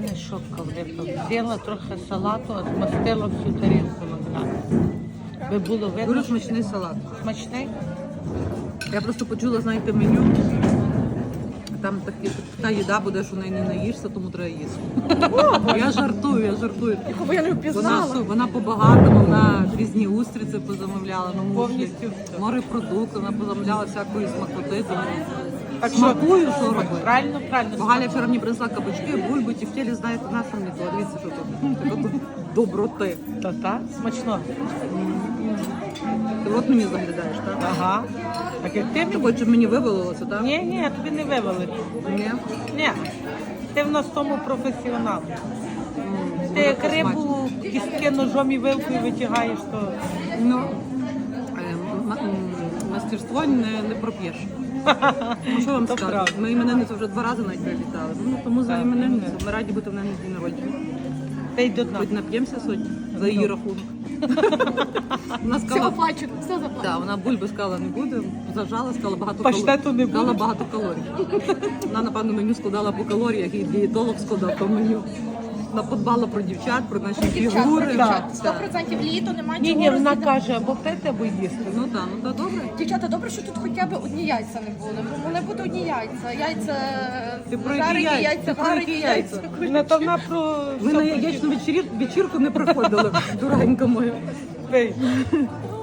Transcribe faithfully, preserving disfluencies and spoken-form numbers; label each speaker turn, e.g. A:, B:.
A: мене що кавлика. Взяла трохи салату, а змастила всю тарілку на Ви було видно.
B: Дуже смачний салат.
A: Смачний?
B: Я просто почула, знаєте, меню. Там такі, така їда буде, що неї не наїшся, тому треба їсти. Я жартую, я жартую.
C: Якого я не
B: Вона,
C: впізнала.
B: су- вона по-багатому, вона різні устриці позамовляла, ну,
A: Повністю.
B: морепродукти, вона позамовляла всякої смакоти. Тому
A: Так що-
B: смакую, що робити.
A: Правильно, правильно.
B: Бо Галя вчора мені принесла кабачки, бульбу, тефтелі, знаєте, нас там не то. Дивіться, що тут. Така тут доброти.
A: Та-та, смачно.
B: Ти от мені заглядаєш, так?
A: Ага. Так як ти
B: Ти
A: мені?
B: хочеш, щоб мені вивалилося, так?
A: Ні, ні, тобі не вивели.
B: Ні.
A: Ні. Ти в нас в тому професіонал.
B: М,
A: Ти
B: буде
A: як
B: посмачно.
A: рибу кістки ножом і вилкою витягаєш, то
B: Ну, е, м- м- мастерство не, не проп'єш. Ну, що вам
A: То
B: скажу?
A: правда.
B: Ми іменинницю вже два рази навіть привітали. Ну, тому за
A: Так.
B: іменинницю. Ми раді бути в неї на день народження.
A: ти й до дна.
B: Хоч нап'ємося сьогодні за її рахунок. Вона
C: Все
B: сказала,
C: оплачено, все заплачено.
B: да, вона бульби сказала не буде, зажала, сказала багато
A: Паштету не
B: Сказала
A: буде?
B: багато калорій. Вона, напевно, меню складала по калоріях, і дієтолог складав по меню. Вона подбала про дівчат, про наші
C: Дівчат,
B: фігури.
C: дівчат,
B: Так.
C: сто процентів літо, немає
A: Ні,
C: чого
A: ні, вона
C: розділяти.
A: каже, або пити, або їсти.
B: Ну так, ну так, добре.
C: Дівчата, добре, що тут хоча б одні яйця не були. Бо вони будуть одні яйця. Яйця
B: Ти про які
C: жарені,
B: яйця?
C: яйця
B: Ти про які
C: варені,
B: яйця?
C: яйця.
A: Вона то вона про
B: Ми на яєчну вечір- вечірку не приходили, дуренька моя.
A: Пий.